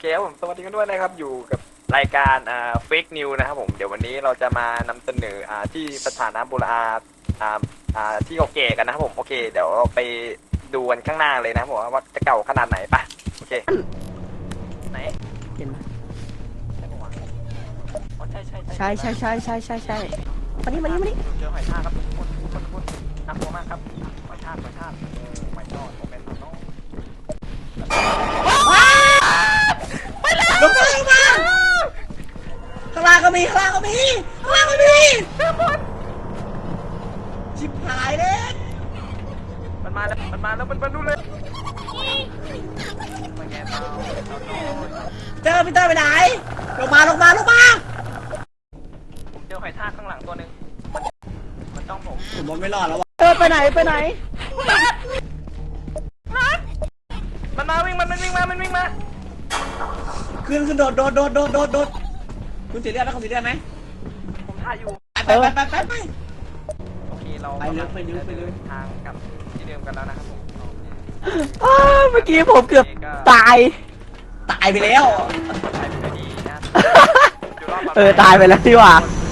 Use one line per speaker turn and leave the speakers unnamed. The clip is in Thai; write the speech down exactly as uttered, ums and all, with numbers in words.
เคครับผมสวัสดีกันด้วยนะครับอยู่กับรายการอ่าเฟกนิวนะครับผมเดี๋ยววันนี้เราจะมานำเสนออ่าที่สถานะโบราณอ่าอ่าที่เก่าแก่กันนะครับผมโอเคเดี๋ยวเราไปดูกันข้างหน้าเลยนะครับผมว่าจะเก่าขนาดไหนปะโอเคไหน
เห็นไหม
ใช่ปะวะอ๋อใช่ใช่
ใช่ใช่ใช่ใช่ใช่ใช่มานี่มานี่มานี่
เจอหอยทากครับทุกคนทุกคนทุกคนน่ากลัวมากครับหอยทากหอยทากโอ้ไม่ชอบโมเมนต์น้อง
ลงมาลงมาข้างล่างก็มีข้างล่างก็มีข้างล่างก็มีชิบหายเลย
มันมาแล้วมันมาแล้วมันมาดูเลยมาแกเมา
เจอพีเตอร์ไปไหนลงมาลงมาลงมา
ผมเจอหอยทากข้างหลังตัวหนึ่งมันมันต้องผม
ผมว่าไม่รอดแล้ววะเออไปไหนไปไหน
มันมาวิ่งมันมันวิ่งมามันวิ่งมา
ขึ้นขึ้นโดดโดดโดดโดดโดดโดดคุณสีเลือดไหมคุณสีเลือดไหม
ผมถ่ายอยู่
ไปไปไปไปไป
โอเคเรา
ไปเลยไปเลยไปเลย
ทางกลับที่เดิมกันแล้วนะครับผม
อ้าวเมื่อกี้ผมเกือบตายตายไปแล้ว
ถ่ายไปด้วยดีนะ
เออตายไปแล้วที่ว่า
ค